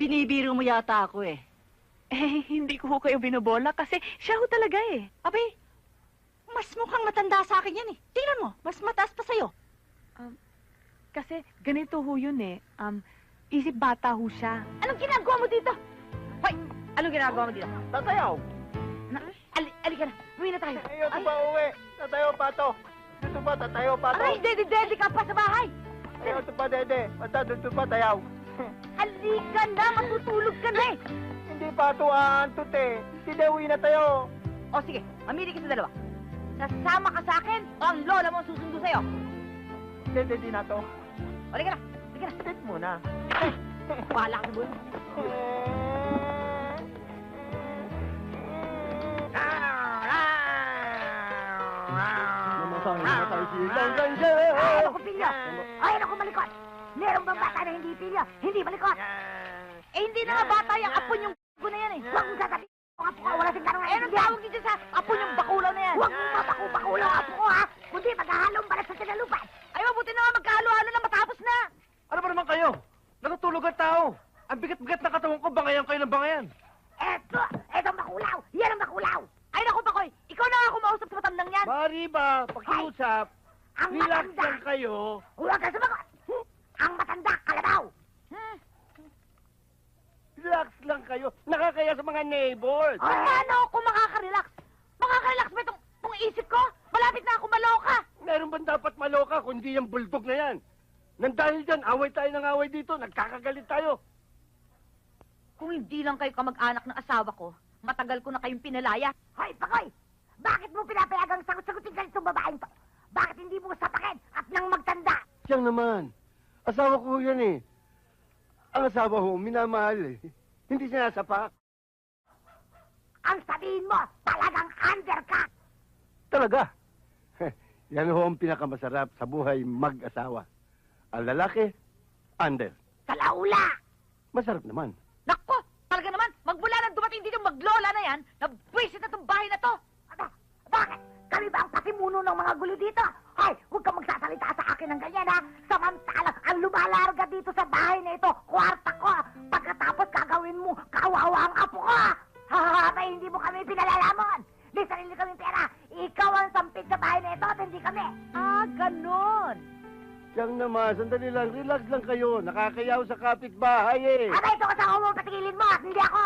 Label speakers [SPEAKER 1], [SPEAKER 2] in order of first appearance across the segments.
[SPEAKER 1] Binibiro mo yata ako eh.
[SPEAKER 2] Eh, hindi ko ho kayo binobola kasi siya ho talaga eh.
[SPEAKER 1] Abay, mas mukhang matanda sa akin yan eh. Tingnan mo, mas mataas pa sa'yo.
[SPEAKER 2] Kasi ganito ho yun eh. Isip bata ho siya.
[SPEAKER 1] Anong ginagawa mo dito? Hoy, anong ginagawa mo dito?
[SPEAKER 3] Tatayaw!
[SPEAKER 1] Alika na, uwi na tayo.
[SPEAKER 3] Ayaw pa uwi. Tatayaw pa to. Dito pa, tatayaw pa to.
[SPEAKER 1] Aray, dedi ka pa sa bahay.
[SPEAKER 3] Ayaw to pa, dede. Basta dito pa, tayaw.
[SPEAKER 1] Halika na, matutulog ka na eh.
[SPEAKER 3] Hindi pa to aantot eh. Hindi, uwi na tayo.
[SPEAKER 1] O sige, mamili ka sa dalawa. Sasama ka sa akin o ang lola mo ang susundo sa'yo.
[SPEAKER 3] Dede, di na to.
[SPEAKER 1] O, halika na, halika na.
[SPEAKER 3] Sit muna.
[SPEAKER 1] Wala ka sa buhay. Ay, ako pilyo! Ay, ako malikot! Meron bang bata na hindi pilyo? Hindi malikot! Eh, hindi na nga bata yung apo yung na yan eh. Huwag mong sasabihin ang apo ka, wala sing tanong. Eh, anong tawag dito sa apo yung bakulaw na yan? Huwag mong mabakulaw ang apo ko ha! Kundi maghahalong balat sa tinalupan. Ay, mabuti na nga magkahalo-halo na matapos na!
[SPEAKER 4] Ano ba naman kayo? Natutulog ang tao. Ang bigat-bigat na katawan ko, bangayan kayo ng bangayan.
[SPEAKER 1] Eto ang bakulaw! Yan ang bakulaw! Ay, naku, Pakoy! Ikaw na nga kumausap sa matandang yan!
[SPEAKER 4] Mari ba, pakiusap,
[SPEAKER 1] Ang
[SPEAKER 4] relax
[SPEAKER 1] matanda!
[SPEAKER 4] lang kayo.
[SPEAKER 1] Huwag ka sumagot! Ang matanda, kalabaw!
[SPEAKER 4] Relax lang kayo. Nakakaya sa mga neighbors.
[SPEAKER 1] Paano ako makaka-relax? Makaka-relax ba itong isip ko? Malapit na ako maloka!
[SPEAKER 4] Meron bang dapat maloka kundi yung bulldog na yan? Nang dahil dyan, away tayo ng away dito. Nagkakagalit tayo.
[SPEAKER 1] Kung hindi lang kayo kamag-anak ng asawa ko, matagal ko na kayong pinalaya. Hoy, Pakoy! Bakit mo pinapayagang sagot-sagutin ka itong babaeng to? Bakit hindi mo sapakin at nang magtanda?
[SPEAKER 4] Siyang naman. Asawa ko yan eh. Ang asawa ko, minamahal eh. Hindi sinasapak.
[SPEAKER 1] Ang sabihin mo, talagang under ka!
[SPEAKER 4] Talaga. Yan ho ang pinakamasarap sa buhay mag-asawa. Ang lalaki, under.
[SPEAKER 1] Kalaula!
[SPEAKER 4] Masarap naman.
[SPEAKER 1] Nako! Talaga naman, magmula nang dumating dito maglola na yan, nabwisit na itong bahay na to! Bakit? Kami ba ang pasimuno ng mga gulo dito? Hoy, huwag kang magsasalita sa akin ng ganyan, ha? Samantalang ang lumalarga dito sa bahay na ito, kwarta ko. Pagkatapos gagawin mo, kawawa ang apo ko. Abay, hindi mo kami pinalalamon. May sarili kami pera. Ikaw ang sampit sa bahay na ito at hindi kami. Ah, ganon.
[SPEAKER 4] Siyang naman, sandali lang, relax lang kayo. Nakakayaw sa kapitbahay eh.
[SPEAKER 1] Abay, ito kasama mo, patigilin mo at hindi ako.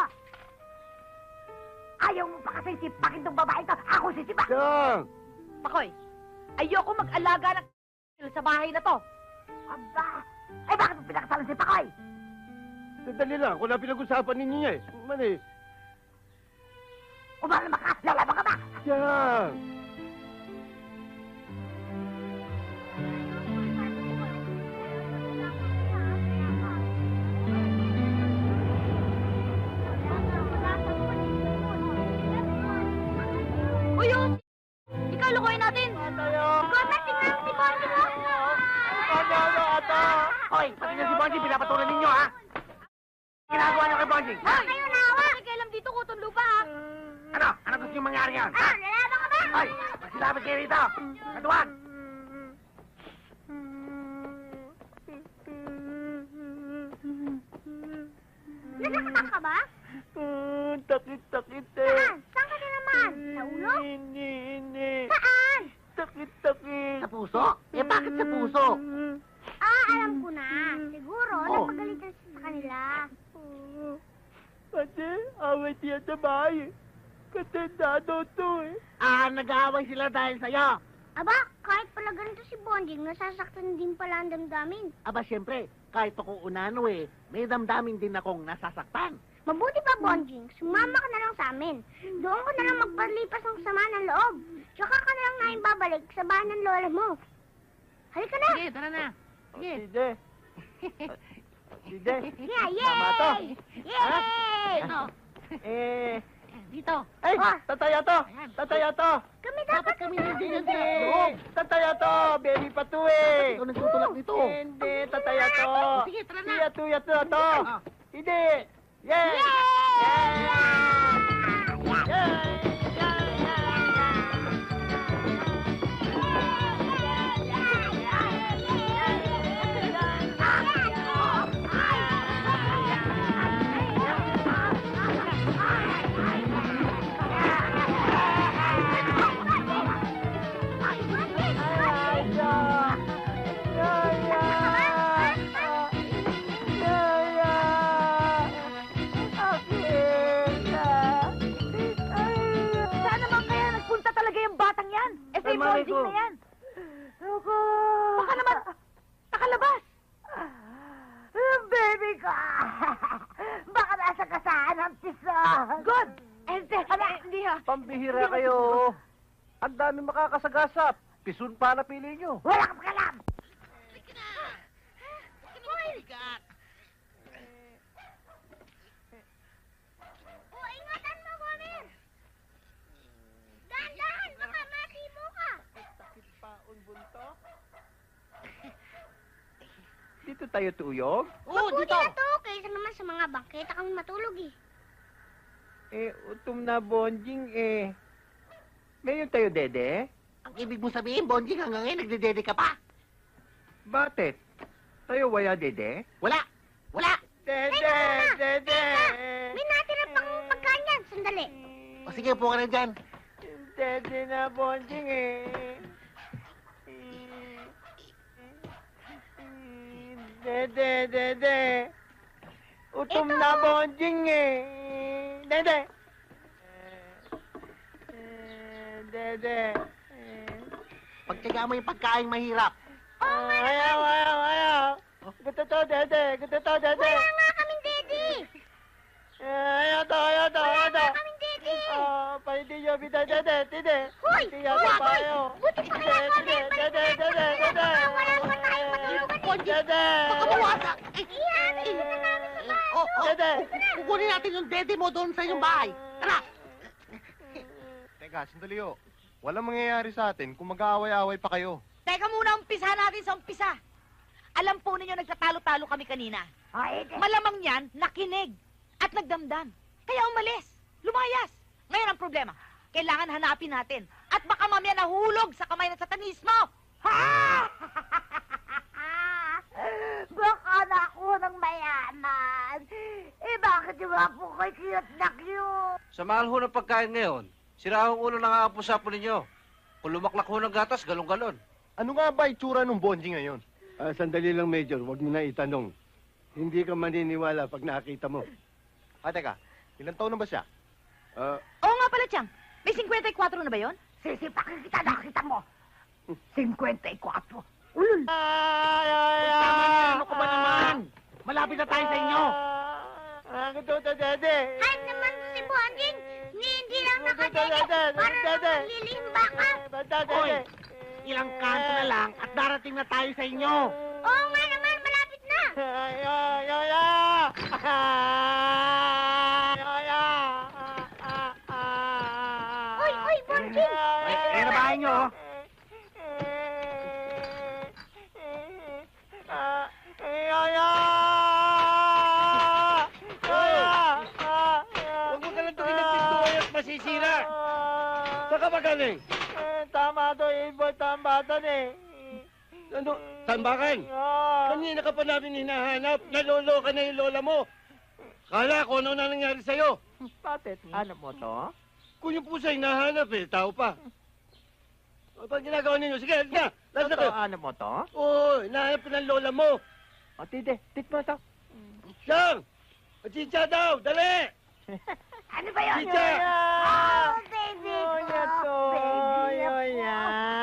[SPEAKER 1] Ayaw mo pa kasi sipakin tong babae to. Ako sisipak.
[SPEAKER 4] Siyang!
[SPEAKER 1] Pakoy, ayoko mag-alaga ng sa bahay na to. Aba, ay bakit mo pinakasalan si Pakoy?
[SPEAKER 4] Sandali lang, kung na pinag-usapan ninyo niya eh. Mali.
[SPEAKER 1] Umalama ka, lalaban ka ba?
[SPEAKER 4] Siyang!
[SPEAKER 1] Uy, ikaw lukuhin natin.
[SPEAKER 3] Tayo!
[SPEAKER 1] Gota, tingnan si Bonji mo.
[SPEAKER 3] Ano, ata?
[SPEAKER 4] Hoy, pati na si Bonji, pinapatulan ninyo ha? Ginagawa niyo kay Bonji?
[SPEAKER 1] Hoy, kayo nawa. Kailan dito kutong lupa, ha?
[SPEAKER 4] Ano? Ano gusto niyo mangyari ngayon?
[SPEAKER 1] Lalaban ka ba?
[SPEAKER 4] Hoy, magsilapit kayo rito! Katuan!
[SPEAKER 1] Nasaktan ka ba?
[SPEAKER 3] Takit-takit eh.
[SPEAKER 1] Saan? Saan ka din naman? Sa ulo?
[SPEAKER 3] Hindi.
[SPEAKER 1] Saan?
[SPEAKER 3] Takit-takit.
[SPEAKER 4] Sa puso? Eh, bakit sa puso?
[SPEAKER 1] Alam ko na. Siguro,
[SPEAKER 4] Oh.
[SPEAKER 1] napagalitan siya sa kanila.
[SPEAKER 3] Kasi away siya sa bahay. Katendado to eh.
[SPEAKER 4] Nag-aaway sila dahil sa'yo.
[SPEAKER 5] Aba, kahit pala ganito si Bonjing, nasasaktan din pala ang damdamin.
[SPEAKER 6] Aba, siyempre, kahit ako unano eh, may damdamin din akong nasasaktan.
[SPEAKER 5] Mabuti pa, Bonjing, sumama ka na lang sa amin. Doon ko na lang magpalipas ng sama ng loob. Tsaka ka na lang namin babalik sa bahay ng lola mo. Halika na!
[SPEAKER 6] Sige, tara na. Sige.
[SPEAKER 3] Sige. Sige.
[SPEAKER 5] Yeah,
[SPEAKER 3] Tama to.
[SPEAKER 5] Yay!
[SPEAKER 6] Ano? Dito.
[SPEAKER 3] Ay,
[SPEAKER 5] Ah.
[SPEAKER 3] tataya to. Tataya to.
[SPEAKER 5] Kami
[SPEAKER 6] Bakit
[SPEAKER 5] dapat
[SPEAKER 6] kami nandiyan
[SPEAKER 3] Hindi.
[SPEAKER 6] sa loob?
[SPEAKER 3] Tataya to. Baby pa to eh.
[SPEAKER 6] Ikaw nagtutulak nito.
[SPEAKER 3] Hindi, tataya to.
[SPEAKER 6] Sige, tara na.
[SPEAKER 3] Tuya to to.
[SPEAKER 6] Ah.
[SPEAKER 3] Hindi. Yay! kami makakasagasap. Pisun pa na pili nyo.
[SPEAKER 1] Wala kang pakalam!
[SPEAKER 5] Oh, ingatan mo, Gomer! Dahan-dahan, baka masimo ka!
[SPEAKER 3] Dito tayo tuyog?
[SPEAKER 5] Mabuti na to, kaysa naman sa mga bangketa kang matulog eh.
[SPEAKER 3] Utom na bonjing Ngayon tayo, Dede?
[SPEAKER 6] Ang ibig mo sabihin, Bonjing, hanggang ngayon nagdedede ka pa?
[SPEAKER 3] Bakit? Tayo waya, Dede?
[SPEAKER 6] Wala! Wala!
[SPEAKER 3] Dede! Dede!
[SPEAKER 5] May natira pang pagkain yan, sandali.
[SPEAKER 6] O sige, upo ka na dyan.
[SPEAKER 3] Dede na bonjing Dede, Dede. Utom
[SPEAKER 5] Ito.
[SPEAKER 3] na bonjing Dede. Dede.
[SPEAKER 6] Pagtiga mo yung pagkain mahirap.
[SPEAKER 3] Ayaw, ayaw, ayaw. Gusto to, Dede. Gusto to, Dede.
[SPEAKER 5] Wala nga kaming daddy.
[SPEAKER 3] Ayaw to, ayaw to,
[SPEAKER 5] Wala
[SPEAKER 3] ayaw to.
[SPEAKER 5] nga kaming daddy.
[SPEAKER 3] Pwede nyo, bida, Dede, Dede.
[SPEAKER 5] Hoy!
[SPEAKER 3] Hindi yata
[SPEAKER 5] Hoy!
[SPEAKER 3] tayo.
[SPEAKER 5] Buti pa kaya, Gomer.
[SPEAKER 3] Dede, Dede, Dede.
[SPEAKER 5] Wala naman tayong matulugan eh.
[SPEAKER 3] Dede.
[SPEAKER 6] Baka mawasak!
[SPEAKER 5] Ihatid na namin sa bahay.
[SPEAKER 3] Dede.
[SPEAKER 6] Kukunin natin yung dede mo doon sa inyong bahay. Tara!
[SPEAKER 7] Teka, sandali ho. Walang mangyayari sa atin kung mag-aaway-aaway pa kayo.
[SPEAKER 1] Teka muna, umpisa natin sa umpisa. Alam po ninyo, nagtatalo-talo kami kanina. Malamang yan, nakinig at nagdamdam. Kaya umalis, lumayas. Ngayon ang problema, kailangan hanapin natin. At baka mamaya nahulog sa kamay ng satanismo. Ha! Baka na ako ng mayaman. Bakit yung mga po ko'y cute na cute?
[SPEAKER 8] Sa mahal ho ng pagkain ngayon, sira ang ulo ng aapusapo ninyo. Kung lumaklak ho ng gatas, galon-galon.
[SPEAKER 7] Ano nga ba itsura ng bonjing ngayon?
[SPEAKER 4] Sandali lang, Major. Huwag mo na itanong. Hindi ka maniniwala pag nakita mo.
[SPEAKER 7] Teka, ilang taon na ba siya?
[SPEAKER 1] Oo nga pala, Chang. May 54 na ba yon? Sisipakin kita, nakita mo. 54. Ulul.
[SPEAKER 6] Tama na, ano ka ba naman? Malapit na tayo sa inyo.
[SPEAKER 3] Gusto to, Dede.
[SPEAKER 5] Kahit naman si Bonjing, hindi lang nakadede para naman lilimba ka.
[SPEAKER 3] Basta,
[SPEAKER 6] Hoy,
[SPEAKER 3] Dede.
[SPEAKER 6] ilang kanto na lang at darating na tayo sa inyo.
[SPEAKER 5] Oo nga naman, malapit na.
[SPEAKER 3] Ay, ay, ay, ay. Ay, ay.
[SPEAKER 5] Uy, Bonjing.
[SPEAKER 6] Ay, na bahay nyo, oh.
[SPEAKER 4] Huwag mo ka lang tuloy ng pintuan at masisira. Saan ka ba galing?
[SPEAKER 3] Tama to, Ibo. Tama to,
[SPEAKER 4] Ano? Tambakan? Kanina ka pa namin hinahanap. Naloloka na yung lola mo. Kala ko ano na nangyari sa'yo.
[SPEAKER 3] Bakit? Hanap mo to?
[SPEAKER 4] Kung yung pusa hinahanap tao pa. O, pag ginagawa ninyo, sige, alis na. Last na kayo.
[SPEAKER 3] Hanap mo to?
[SPEAKER 4] Oo, hinahanap ko ng lola mo.
[SPEAKER 3] O, tide. Tit mo to.
[SPEAKER 4] Siyang! Chicha daw, dali!
[SPEAKER 1] Ano ba yun?
[SPEAKER 4] Chicha!
[SPEAKER 1] Oh, baby ko.
[SPEAKER 3] Yoya to.
[SPEAKER 1] Baby
[SPEAKER 3] Yoya.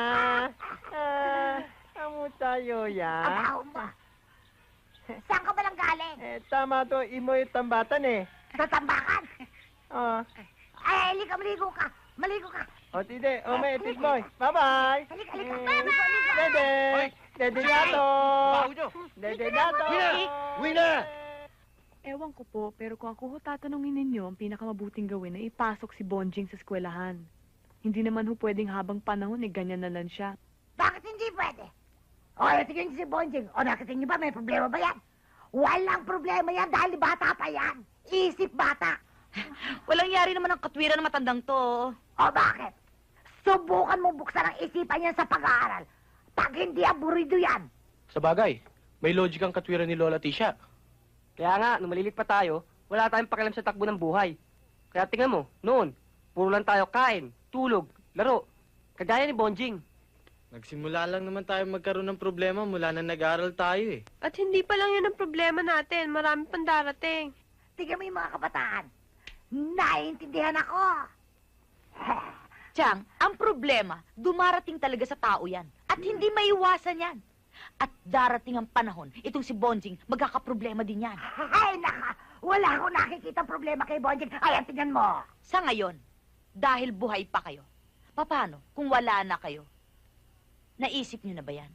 [SPEAKER 3] Amo tayo, ya.
[SPEAKER 1] Abaw mo. Saan ka ba lang galing?
[SPEAKER 3] Tama to. Imo yung tambatan
[SPEAKER 1] Sa tambakan?
[SPEAKER 3] Oh.
[SPEAKER 1] Ay, halika, maligo ka. Maligo ka.
[SPEAKER 3] O, tide. O, may tit boy. Bye-bye.
[SPEAKER 1] Halika, halika.
[SPEAKER 3] Mm. Dede. Dede dato. Dede dato.
[SPEAKER 4] Uwi na! Uwi na!
[SPEAKER 2] Ewan ko po, pero kung ako ho tatanungin ninyo, ang pinakamabuting gawin ay ipasok si Bonjing sa eskwelahan. Hindi naman ho pwedeng habang panahon ganyan na lang siya.
[SPEAKER 1] Bakit hindi pwede? O, tingnan niyo si Bonjing. O, nakita niyo ba, may problema ba yan? Walang problema yan dahil bata pa yan. Isip bata. Walang yari naman ang katwiran ng matandang to. O, bakit? Subukan mo buksan ang isipan yan sa pag-aaral. Pag hindi aburido yan.
[SPEAKER 3] Sa bagay, may logic ang katwiran ni Lola Tisha.
[SPEAKER 9] Kaya nga, nung malilit pa tayo, wala tayong pakialam sa takbo ng buhay. Kaya tingnan mo, noon, puro lang tayo kain, tulog, laro. Kagaya ni Bonjing.
[SPEAKER 3] Nagsimula lang naman tayo magkaroon ng problema mula na nag-aaral tayo
[SPEAKER 2] At hindi pa lang yun ang problema natin. Marami pang darating.
[SPEAKER 1] Tingnan mo yung mga kabataan. Naiintindihan ako. Chang, ang problema, dumarating talaga sa tao yan. At hindi maiwasan yan. At darating ang panahon, itong si Bonjing, magkakaproblema din yan. Ay, naka! Wala akong nakikita problema kay Bonjing. Ay, tingnan mo. Sa ngayon, dahil buhay pa kayo, Paano kung wala na kayo? Naisip niyo na ba yan?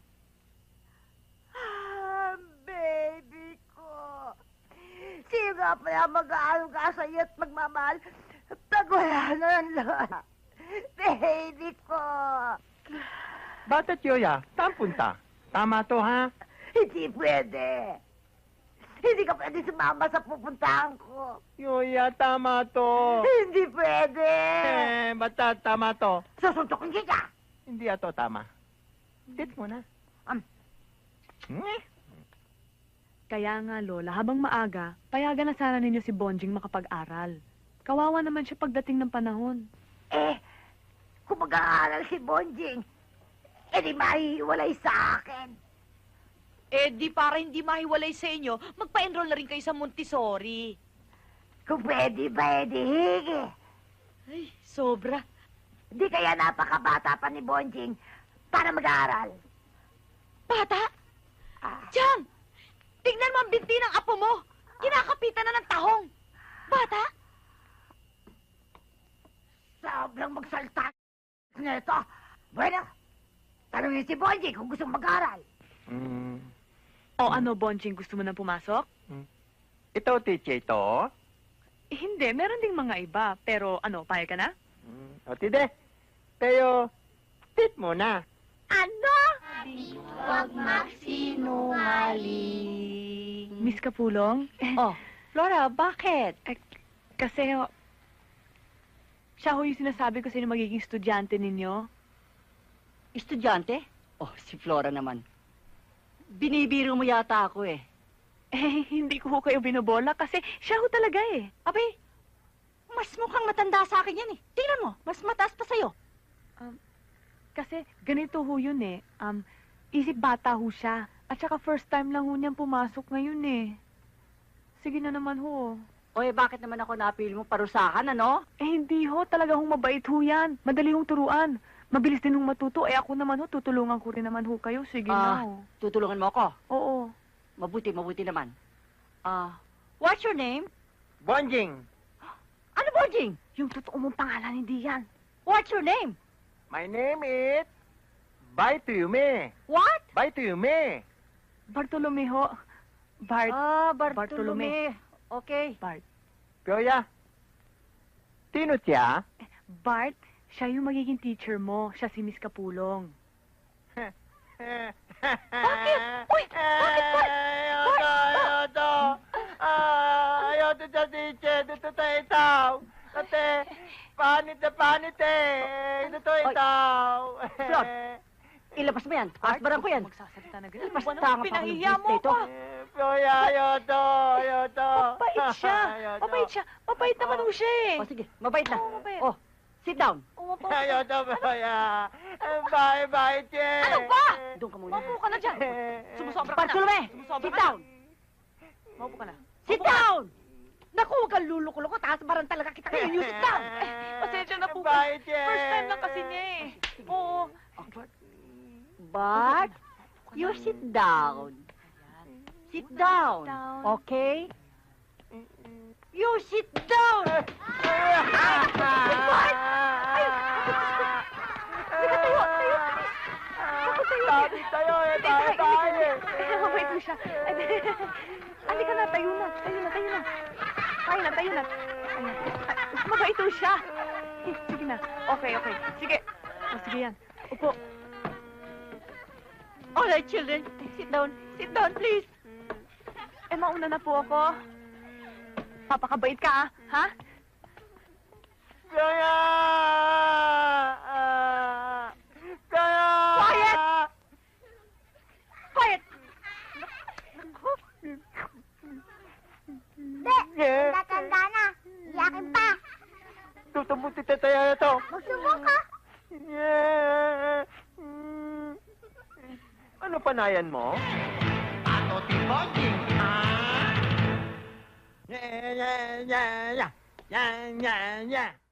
[SPEAKER 10] Baby ko. Sino nga pala mag-aaruga sa iyo at magmamahal pag wala na ang lola? Baby ko.
[SPEAKER 3] Bata Tioya, saan punta? Tama to, ha?
[SPEAKER 10] Hindi pwede. Hindi ka pwede sumama sa pupuntahan ko.
[SPEAKER 3] Yoya, tama to.
[SPEAKER 10] Hindi pwede.
[SPEAKER 3] Basta tama to.
[SPEAKER 10] Susuntokin kita.
[SPEAKER 3] Hindi ato tama. Tit mo na.
[SPEAKER 2] Kaya nga, Lola, habang maaga, payagan na sana ninyo si Bonjing makapag-aral. Kawawa naman siya pagdating ng panahon.
[SPEAKER 10] Kung mag-aaral si Bonjing, di mahihiwalay sa akin.
[SPEAKER 1] Di para hindi mahiwalay sa inyo, magpa-enroll na rin kayo sa Montessori.
[SPEAKER 10] Kung pwede ba, higi.
[SPEAKER 1] Ay, sobra.
[SPEAKER 10] Di kaya napakabata pa ni Bonjing para mag-aaral.
[SPEAKER 1] Bata? Diyan! Tingnan mo ang binti ng apo mo. Kinakapitan na ng tahong. Bata?
[SPEAKER 10] Sobrang magsalta nito. Bueno, tanungin si Bonjing kung gusto mag-aaral.
[SPEAKER 2] O ano, Bonjing, gusto mo nang pumasok?
[SPEAKER 3] Ito, teacher, ito.
[SPEAKER 2] Hindi, meron ding mga iba. Pero ano, payag ka na?
[SPEAKER 3] O, tide. Pero, tit mo na.
[SPEAKER 10] Ano?
[SPEAKER 5] Huwag magsinungaling.
[SPEAKER 2] Miss Kapulong?
[SPEAKER 1] Oh, Flora, bakit?
[SPEAKER 2] Kasi, siya ho yung sinasabi ko sino magiging estudyante ninyo.
[SPEAKER 11] Estudyante? Oh, si Flora naman. Binibiro mo yata ako eh.
[SPEAKER 2] Hindi ko ho kayo binobola kasi siya ho talaga eh.
[SPEAKER 11] Abay, mas mukhang matanda sa akin yan eh. Tingnan mo, mas mataas pa sa'yo.
[SPEAKER 2] Kasi ganito ho yun eh. Isip bata ho siya. At saka first time lang ho niyang pumasok ngayon eh. Sige na naman ho.
[SPEAKER 11] O bakit naman ako napili mo parusakan, ano?
[SPEAKER 2] Hindi ho. Talaga hong mabait ho yan. Madali hong turuan. Mabilis din hong matuto. Ako naman ho, tutulungan ko rin naman ho kayo. Sige na ho.
[SPEAKER 11] Tutulungan mo ako?
[SPEAKER 2] Oo.
[SPEAKER 11] Mabuti naman. What's your name?
[SPEAKER 3] Bonjing.
[SPEAKER 11] Ano, Bonjing?
[SPEAKER 2] Yung totoo mong pangalan, hindi yan.
[SPEAKER 11] What's your name?
[SPEAKER 3] My name is... Bartolome.
[SPEAKER 11] What?
[SPEAKER 3] Bartolome.
[SPEAKER 2] Bartolome ho.
[SPEAKER 11] Bartolome. Okay.
[SPEAKER 2] Bart.
[SPEAKER 3] Tioya, sino siya?
[SPEAKER 2] Bart, siya yung magiging teacher mo. Siya si Miss Kapulong.
[SPEAKER 3] Bakit?
[SPEAKER 11] Uy, bakit, Bart?
[SPEAKER 3] Ayaw sa teacher. Dito tayo itaw. Kasi, panit na panit eh. Dito itaw.
[SPEAKER 11] Flor, ilabas mo yan. Asbaran ko yan.
[SPEAKER 2] Magsasalita na ganyan.
[SPEAKER 11] Ilabas tanga pa ako ng
[SPEAKER 1] Pinahiya mo
[SPEAKER 11] business
[SPEAKER 1] ko.
[SPEAKER 11] nito.
[SPEAKER 3] Tioya, ayaw to.
[SPEAKER 2] Mabait siya. Mabait siya. Mabait naman ho siya eh.
[SPEAKER 11] O sige, mabait na.
[SPEAKER 2] Oo, mabait.
[SPEAKER 11] Oh, sit down.
[SPEAKER 3] Ayaw to, Tioya. Bye-bye, che.
[SPEAKER 1] Ano ba?
[SPEAKER 11] Doon ka muna.
[SPEAKER 1] Maupo ka na dyan. Sumusobra ka na.
[SPEAKER 11] Bartolome,
[SPEAKER 1] Sumusobra
[SPEAKER 11] sit
[SPEAKER 1] ka na.
[SPEAKER 11] down.
[SPEAKER 1] Maupo ka na.
[SPEAKER 11] Sit down!
[SPEAKER 1] Naku, huwag kang lulukulo ko. Taas baran talaga kita ngayon. You sit down.
[SPEAKER 2] Pasensya na po.
[SPEAKER 3] Bye, che.
[SPEAKER 2] First time lang kasi niya eh. Oo.
[SPEAKER 11] But, you sit down. Sit down. Okay? You sit down!
[SPEAKER 3] Sabi tayo eh, tayo.
[SPEAKER 2] Mabait mo siya. Halika na, tayo na. Tayo na. Tayo na. Mabait ho siya. Sige na. Okay. Sige. Sige yan. Upo.
[SPEAKER 11] All right, children. Sit down. Sit down, please.
[SPEAKER 2] Mauna na po ako. Papakabait ka, ha?
[SPEAKER 3] Kaya!
[SPEAKER 11] Quiet! Quiet!
[SPEAKER 5] Tatanda na. Iyakin pa.
[SPEAKER 3] Tutumbuti tayo na to.
[SPEAKER 5] Magsubok ka.
[SPEAKER 3] Ano panayan mo? Ato tiboging, ha? Yeah.